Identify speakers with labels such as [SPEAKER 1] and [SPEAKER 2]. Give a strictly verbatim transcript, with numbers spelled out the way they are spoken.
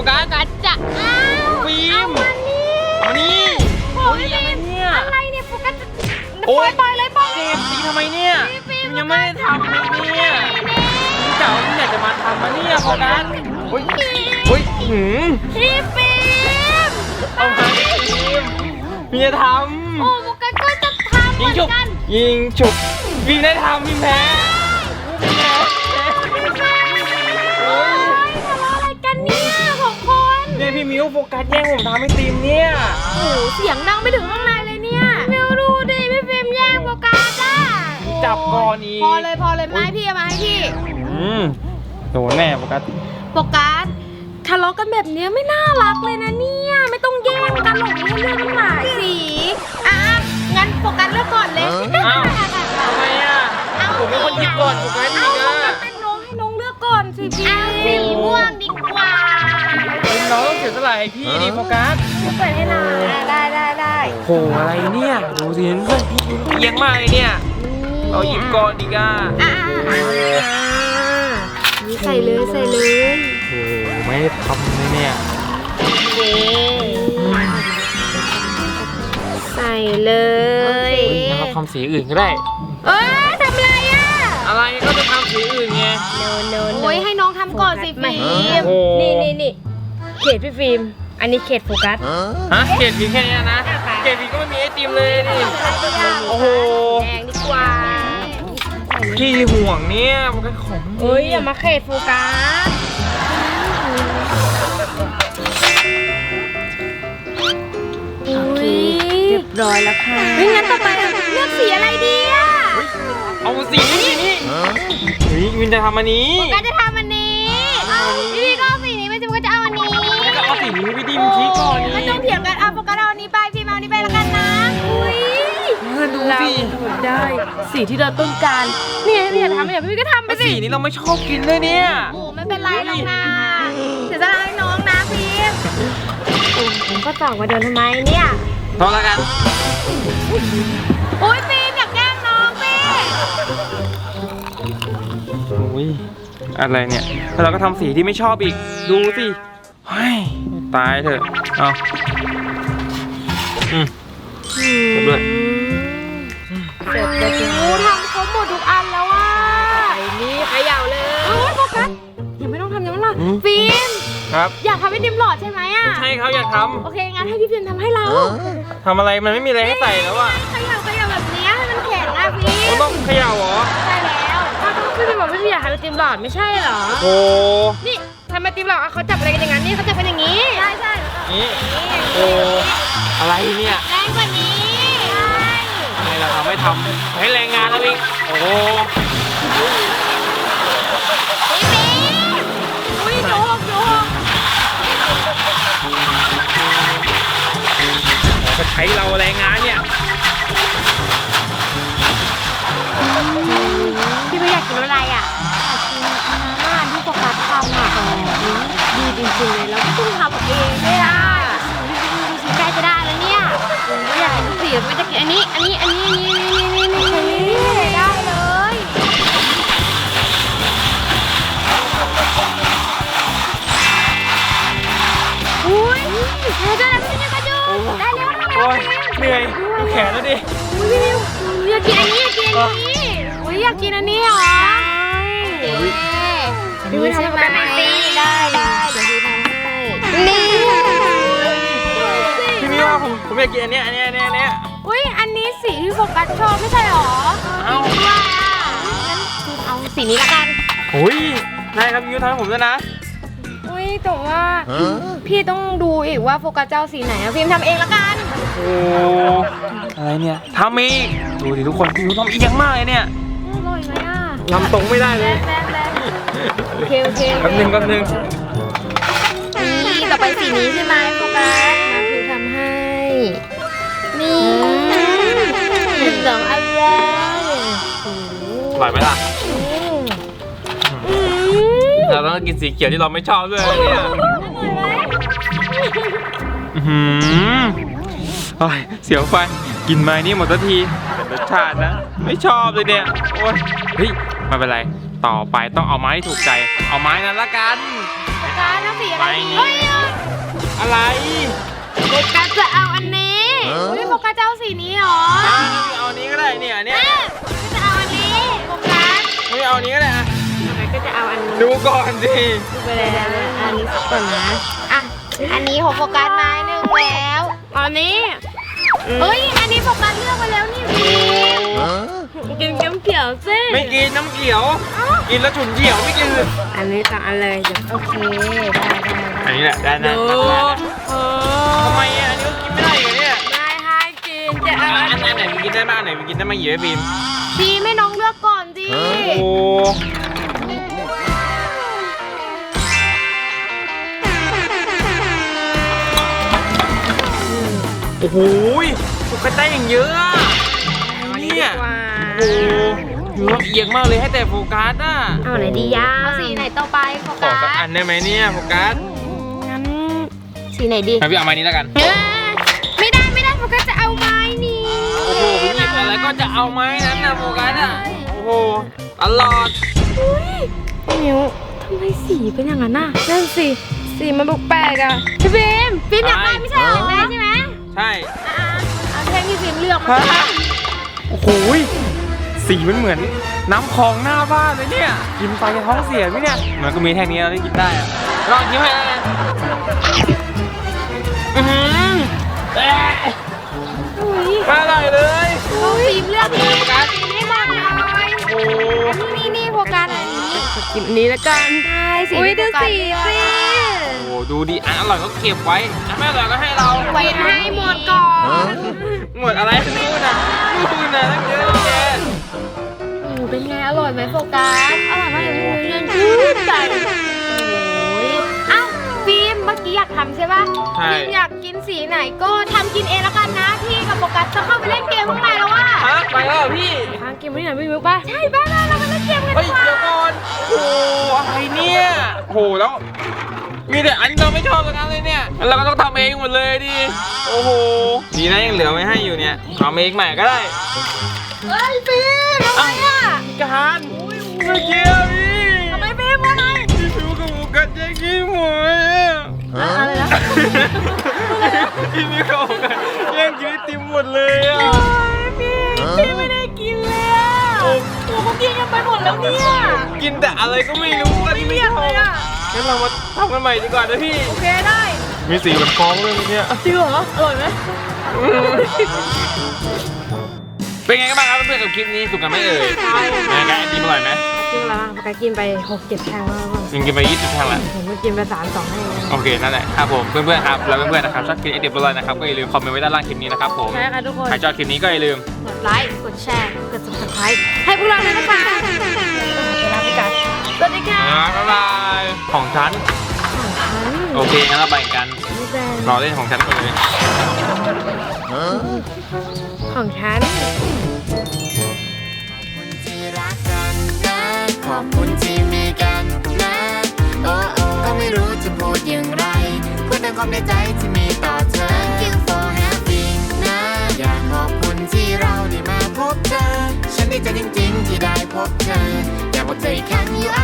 [SPEAKER 1] กัส
[SPEAKER 2] กัสจะอ้าว
[SPEAKER 1] ฟิล์มเอานี่โอ้ยอะไรเนี่ย
[SPEAKER 2] อะไรเนี่ยโฟกัส
[SPEAKER 1] โอ้ย
[SPEAKER 2] ปล่อยเลยปล่อย
[SPEAKER 1] เจ็บสีทำไมเนี่ยยังไม่ได้ทำเลยเนี่ยเก่าที่อยากจะมาทำมาเนี่ยโฟกัสโอ้ยโอ้ยหืม
[SPEAKER 2] พี่ฟิล์ม
[SPEAKER 1] เอามาฟิล์มพี่จะท
[SPEAKER 2] โอ้โฟกัสก็จะทำ
[SPEAKER 1] ำ
[SPEAKER 2] เห
[SPEAKER 1] ยิ
[SPEAKER 2] มื
[SPEAKER 1] ง
[SPEAKER 2] อน
[SPEAKER 1] ฉุบ
[SPEAKER 2] กัน
[SPEAKER 1] ยิงฉุบฟิล์มได้ทำฟิล์มแพ้ฟิล์มแพ้โอ้ย
[SPEAKER 2] ทะเลาะอะไรกันเนี่ยของคน
[SPEAKER 1] เนี่ยพี่มิวโฟกัสแย่งผมทำให้ทีมเนี่ย
[SPEAKER 2] โอ้เสียงดังไปถึงข้างในเลยเนี่ยมิวดูดิพี่ฟิล์มแย่งโฟกัสอ่ะ
[SPEAKER 1] จับก่อนอีก
[SPEAKER 2] พอเลยพอเลยไม้พี่เอามาให้พี่
[SPEAKER 1] อืมโดนแน่โฟกัส
[SPEAKER 2] โฟกัสทะเลาะกันแบบนี้ไม่น่ารักเลยนะเนี่ยไม่ต้องแย่งกันหรอกให้เลือกตั้งหลายสีอ่ะงั้นโฟกัสเลือกก่อนเลย
[SPEAKER 1] อ้าวทำไมอ่ะผมเป็นคนหยิบก่อนโฟกัสอี
[SPEAKER 2] เอา
[SPEAKER 1] ก
[SPEAKER 2] โฟ
[SPEAKER 1] อ่ะ
[SPEAKER 2] กัสเป็นน้องให้น้องเลือกก่อนสิพี่สีม่วงดีกว่า
[SPEAKER 1] น้องต้องเสียสละให้พี่ดิโฟกัส
[SPEAKER 2] เปิดให้หน่อยได้ได้ได้
[SPEAKER 1] โหอะไรเนี่ยดูสิเพื่อนพี่เอียงมากเลยเนี่ยเราหยิบก่อนดีก่ะ
[SPEAKER 2] อ่านี่ใส่เลยใส่เลย
[SPEAKER 1] โอ้ไม่ได้ทำเลยเนี่ย
[SPEAKER 2] เย้ใส่เลย
[SPEAKER 1] งั้นเราทำสีอื่นก็ได้
[SPEAKER 2] เอ้ยทำอะไรอ่ะ
[SPEAKER 1] อะไรก็จะทำสีอื่นไง
[SPEAKER 2] โอ้ยให้น้องทำก่อนสิฟิล์ม
[SPEAKER 1] โอ้
[SPEAKER 2] นี่นี่นี่เขตพี่ฟิล์มอันนี้เขตโฟกัส
[SPEAKER 1] ฮะเกรดสีแค่นี้นะเกรดสีก็ไม่มีไอติมเลยดิโอ้โห
[SPEAKER 2] แดงดีกว่า
[SPEAKER 1] พี่ห่วงเนี่ยมันก็ของมันดี
[SPEAKER 2] เอ้ยอย่ามาเขตโฟกัสโอเคเรียบร้อยแล้วค่ะเฮ้ยงั้นต่อไปเลือกสีอะไรดีอ่ะ
[SPEAKER 1] เอาสีนี้สีนี้เฮ้ยวินจะทำอันนี้
[SPEAKER 2] โฟกัสจะทำอันนี้พี่พี่ก็เอาสีนี้ไม่ใช่โฟกัสจะเอาอันนี้
[SPEAKER 1] แล้วก็เอาสีนี้พี่ดิมชี้ก่อน
[SPEAKER 2] ไม่ต้อง
[SPEAKER 1] นี่
[SPEAKER 2] เถียงกันอ่ะโฟกัสเอาอันนี้ไปพี่เอาอันนี้ไปแล้วกันนะอุ้ย
[SPEAKER 1] เพื่อนดูสิ
[SPEAKER 2] ได้สีที่เราต้องการเนี่ยพี่อยากทำอย่างพี่ก็ทำไป
[SPEAKER 1] แล้ว
[SPEAKER 2] สิ
[SPEAKER 1] สีนี้เราไม่ชอบกินเลยเนี่ย
[SPEAKER 2] โอ้ไม่เป็นไรหรอกนะเสียสละให้น้องนะพี่ผมก็ตอบว่าเดินทำไมเนี่ย
[SPEAKER 1] พอแล้วกัน
[SPEAKER 2] โอ้ยฟิล์มอยากแกล้งน้องพี่
[SPEAKER 1] โอ้ยอะไรเนี่ยแล้วเราก็ทำสีที่ไม่ชอบอีกดูสิเฮ้ยตายเถอะเอาอืมเรียบร้อย
[SPEAKER 2] เสร็จแล้วโอ้ทำครบหมดทุกอันแล้วอ่ะไอ้นี่เขย่าเลยโอ้ยโฟกัสยังไม่ต้องทำยังไม่ต้องฟิล์ม
[SPEAKER 1] ครับ
[SPEAKER 2] อยากทำให้ดิมหลอดใช่ไหมอ่ะ
[SPEAKER 1] ใช่เขาอยากท
[SPEAKER 2] โอเคงั้นให้พี่ฟิล์มทำให้เรา
[SPEAKER 1] ำทำอะไรมันไม่มีอะไรให้ใส่แล้วอะ
[SPEAKER 2] เขย่าเขย่าแบบนี้ให้มันแข็งอ่ะฟิล์
[SPEAKER 1] มัน
[SPEAKER 2] ม
[SPEAKER 1] ต้องเขย่าเหรอ
[SPEAKER 2] ใช่แล้วถ้าต้องพี่ฟิล์มบอกพี่ฟิล์มอยากทำไอติมหลอดไม่ใช่เหรอ
[SPEAKER 1] โอ้
[SPEAKER 2] นี่ทำไอติมหลอดอ่ะเขาจับอะไรกันอย่างนั้นนี่เขาจับกันอย่างนี้ใช่ใช่
[SPEAKER 1] นี่โอ้อะไรเนี่ย
[SPEAKER 2] แรงกว่านี้ใช่
[SPEAKER 1] ทำไมเราทำไม่ทำให้แรงงานแล้วอีกโอ้
[SPEAKER 2] พี่ฟิล์มอุ้ยโยกโยก
[SPEAKER 1] จะใช้เราแรงงานเนี่ย
[SPEAKER 2] พี่ไม่อยากกินอะไรอ่ะอยากกินอาหารที่โฟกัสทำอ่ะดีจริงๆเลยแล้วก็ต้องทำเองไม่ได้ดูสิใกล้จะได้แล้วเนี่ยไม่อยากกินทุกสีไม่จะกินอันนี้อันนี้อันนี้นี่นี่นี่นี่ได้เลยอุ้ยเดี๋ยวจะทำยังไงกันอยู่ได้แล้ว
[SPEAKER 1] โอ้ยเหนื่อยดูแขนแล้วดิ
[SPEAKER 2] อุ้ยพี่อยากกินอันนี้อยากกินอันนี้อุ้ยอยากกินอันนี้เหรอพี่วิทำแบบนี้ได้ได้เดี๋ยวพี่ทำให้นี่
[SPEAKER 1] พี่มิวว่าผมผมอยากกินอันเนี้ยอันเนี้ยอันเนี้ยอันเนี้ย
[SPEAKER 2] อุ้ยอันนี้สีที่โฟกัสชอบไม่ใช่หรอ
[SPEAKER 1] เอ้า
[SPEAKER 2] จริงด้วยอ่ะงั้นเอาสีนี้ละกัน
[SPEAKER 1] โอ้ยได้ครับพี่มิวทำให้ผมด้วยนะ
[SPEAKER 2] อุ้ยแต่ว่าพี่ต้องดูอีกว่าโฟกัสเจ้าสีไหนอะพิมพ์ทำเองละกัน
[SPEAKER 1] โอ้อะไรเนี่ยทำอีกดูดิทุกคนพี่มิวทำเอียงมากเลยเนี่ย
[SPEAKER 2] อร่อยไหมอ่ะ
[SPEAKER 1] ลำตรงไม่ได้เลย
[SPEAKER 2] แบ๊บแบ๊บโอเคโอเค
[SPEAKER 1] แป๊บนึงแป๊บนึง
[SPEAKER 2] นี่ต่อไปสีนี้ใช่ไหมโฟกัสมาพิมพ์ทำให้ นี่เป็นสองอันแล้ว
[SPEAKER 1] อร่อยไหมล่ะเราต้องกินสีเขียวที่เราไม่ชอบด้วยนะเนี่ยอื้อหือโอ้ยเสียวฟันกินไม้นี่หมดทันทีเป็นรสชาตินะ ไม่ชอบเลยเนี่ยโอ้ยเฮ้ยไม่เป็นไรต่อไปต้องเอาไม้ที่ถูกใจ เอาไม้นั้นละกัน
[SPEAKER 2] โฟกัสเอาสีอะไรดี
[SPEAKER 1] ไป
[SPEAKER 2] เฮ้ยเอา
[SPEAKER 1] อะไร
[SPEAKER 2] โฟกัสจะเอาอันนี้อุ้ยโฟกัสจะเอาสีนี้เหรอ
[SPEAKER 1] อ่ะเอาอันนี้ก็ได้เนี่ยอันเนี้ย
[SPEAKER 2] แม่ก็จะเอาอันนี้โฟกัส
[SPEAKER 1] ไม่เอาอันนี้ก็ได้อะ
[SPEAKER 2] โฟกัสก็จะเอาอันนี้
[SPEAKER 1] ดูก่อนสิ
[SPEAKER 2] ดูไปเลยนะอันนี้ก่อนนะอ่ะอันนี้ของโฟกัสไม้หนึ่งแล้วอันนี้เฮ้ยอันนี้โฟกัสเลือกไปแล้วนี่พี่กินเขียวเขียวๆสิ
[SPEAKER 1] ไม่กินน้ำเขียว กินแล้วฉุนเฉียวไม่กิน
[SPEAKER 2] อันนี้ต่างอันเลยเดี๋ยวโอเคได้ได้
[SPEAKER 1] อันนี้แหละได้นะ
[SPEAKER 2] ดู
[SPEAKER 1] ได้นะ
[SPEAKER 2] เอ
[SPEAKER 1] ทำไมอ่ะอันนี้ก็กินไม่ได้เหรอเนี่ย
[SPEAKER 2] ไม่ให้กินจะเอา
[SPEAKER 1] อั
[SPEAKER 2] อั
[SPEAKER 1] น
[SPEAKER 2] น
[SPEAKER 1] ไหนมันกินได้บ้างอันไหนมันกินได้บ้างหยิบให้บีม
[SPEAKER 2] พี่ไม่น้องเลือกก่อนดิ
[SPEAKER 1] โอ้โอ้โหสุกกระได้อย่างเยอะอะเนี่ยโอ้โหเยอะเอียงมากเลยให้แต่โฟกัสอ่ะ
[SPEAKER 2] เอาไหนดียาเอาสีไหนต่อไปโฟ
[SPEAKER 1] ขอ
[SPEAKER 2] กั
[SPEAKER 1] สัก
[SPEAKER 2] ส
[SPEAKER 1] อันได้ไหมเนี่ยโฟกัส
[SPEAKER 2] งั้นสีไหนดี
[SPEAKER 1] ให้พี่เอาไม้นี้แล้วกัน
[SPEAKER 2] เอ้ยไม่ได้ไม่ได้โฟกัสจะเอาไม้นี้
[SPEAKER 1] โอ้โหพี่หยิบอะไรก็จะเอาไม้นั้นนะโฟกัสอ่ะโอ้โหตลอด
[SPEAKER 2] อุ้ยมิวทำไมสีเป็นอย่างนั้นน่ะนั่นสิสีมันแปลกๆอ่ะพี่ฟิล์มฟิล์มอยากได้ไม่ใช่เหรอแม่ใช่ไหม
[SPEAKER 1] ใช่
[SPEAKER 2] อ่ะๆเอาแท่งที่ฟิล์มเลือกมา
[SPEAKER 1] ฮะโอ้โหสีมันเหมือนน้ำคลองหน้าบ้านเลยเนี่ยกินไปจะท้องเสียไหมเนี่ยมันก็มีแท่งนี้เราได้กินได้อะลองกินให้แล้วกันอือหือเอ๊ะ
[SPEAKER 2] อุ้ย
[SPEAKER 1] ไม่อร่อยเลย
[SPEAKER 2] เอาฟิล์มเลือก
[SPEAKER 1] เอาไปเลยโฟกัส
[SPEAKER 2] ฟิล์มให้มากหน่อย
[SPEAKER 1] โอ้โห
[SPEAKER 2] นี่นี่โฟกัสอันนี้กินอันนี้แล้วกันใช่สีอุ้ยดูสีสิ
[SPEAKER 1] โอ้โหดูดิอันอร่อยก็เก็บไว้อันไม่อร่อยก็ให้เรา
[SPEAKER 2] ไว้ให้หมดก่อน
[SPEAKER 1] หมดอะไรนู่นน่ะนู่นน่ะตั้งเยอะตั้งแยะ
[SPEAKER 2] อืมเป็นไงอร่อยไหมโฟกัสอร่อยมากเลยพี่เงินชื่นใจโอ้ยอ้าวฟิล์มเมื่อกี้อยากทำใช่ป่ะ
[SPEAKER 1] ใช่
[SPEAKER 2] ฟิล์มอยากกินสีไหนก็ทำกินเองแล้วกันนะพี่กับโฟกัสจะเข้าไปเล่นเกมข้างในแล้วว่ะ
[SPEAKER 1] ฮะไปแล้วเหรอพี่
[SPEAKER 2] ทางเกมที่ไหนไม่รู้ป่ะใช่ป่ะเราไปเล่นเกมกัน
[SPEAKER 1] เฮ้ย
[SPEAKER 2] ดีกว่า
[SPEAKER 1] เดี๋ยวก่อนโอ้โหอะไรเนี่ยโอ้โหแล้ว มีแต่อันที่เราไม่ชอบทั้งนั้นเลยเนี่ยแล้วเราก็ต้องทำเองหมดเลยดิโอ้โหดีนะยังเหลือไว้ให้อยู่เนี่ยทำเองใหม่ก็ได้
[SPEAKER 2] เฮ้ยฟิล์มทำไมอ่ะ
[SPEAKER 1] การเมื่อกี้อะพี่
[SPEAKER 2] ทำไมฟิล์มว่าไง
[SPEAKER 1] พี่ฟิวกับโฟกัสแย่งกินหมดอะ
[SPEAKER 2] อะไรนะ
[SPEAKER 1] พี่ฟิวกับโฟกัสแย่งกินไอติมหมดเลยอะ
[SPEAKER 2] โอ้ยฟิล์มฟิล์มไม่ได้กินเลยอ่ะโอ้โหเขากินกันไปหมดแล้วเนี่ย
[SPEAKER 1] กินแต่อะไรก็ไม่รู้อันนี้ไม่ชอบ
[SPEAKER 2] เลยอ่ะ
[SPEAKER 1] งั้นเรามาทำกันใหม่ดีกว่านะพี่
[SPEAKER 2] โอเคได้
[SPEAKER 1] มีสีเหมือนฟองเลยเมื่อกี้
[SPEAKER 2] จริงเหรออร่อยไหม
[SPEAKER 1] เป็นไงกันบ้างครับเพื่อนๆกับคลิปนี้สุกกันไหมเอ่ยเป็นไงไอติมอร่อยไหม
[SPEAKER 2] จริงเหรอปกติกินไปหกเจ็ดแท่งแล้ว
[SPEAKER 1] ยังกินไปยี่สิบแท่งละ
[SPEAKER 2] ผมก็กินไปสามสองให้เลย
[SPEAKER 1] โอเคนั่นแหละครับผมเพื่อนๆครับแล้วเพื่อนๆนะครับชอบคลิปไอเดียบอลอยนะครับก็อย่าลืมคอมเมนต์ไว้ด้านล่างคลิปนี้นะครับผม
[SPEAKER 2] ใช่ค่ะทุกคน
[SPEAKER 1] ใครชอบคลิปนี้ก็อย่าลืม
[SPEAKER 2] กดไลค์กดแชร์กด ซับสไครบ์ ให้พวกเราเลยนะคะลาไปก่อนสวัสดีค่ะ
[SPEAKER 1] บ๊ายบายของฉันโอเคงั้นเราไปกัน
[SPEAKER 2] นี่เป็น
[SPEAKER 1] รอเล่นของฉันก่อนเลย
[SPEAKER 2] ของฉัน
[SPEAKER 3] ที่รักกันนะขอบคุณที่มีกันนะโอ้โอ้ก็ไม่รู้จะพูดอย่างไรพูดในความในใจที่มีต่อเธอ Thank you for having นะอยากขอบคุณที่เราได้มาพบเธอ ฉันดีใจจริงๆที่ได้พบเธอ อยากบอกเธออีกครั้ง you are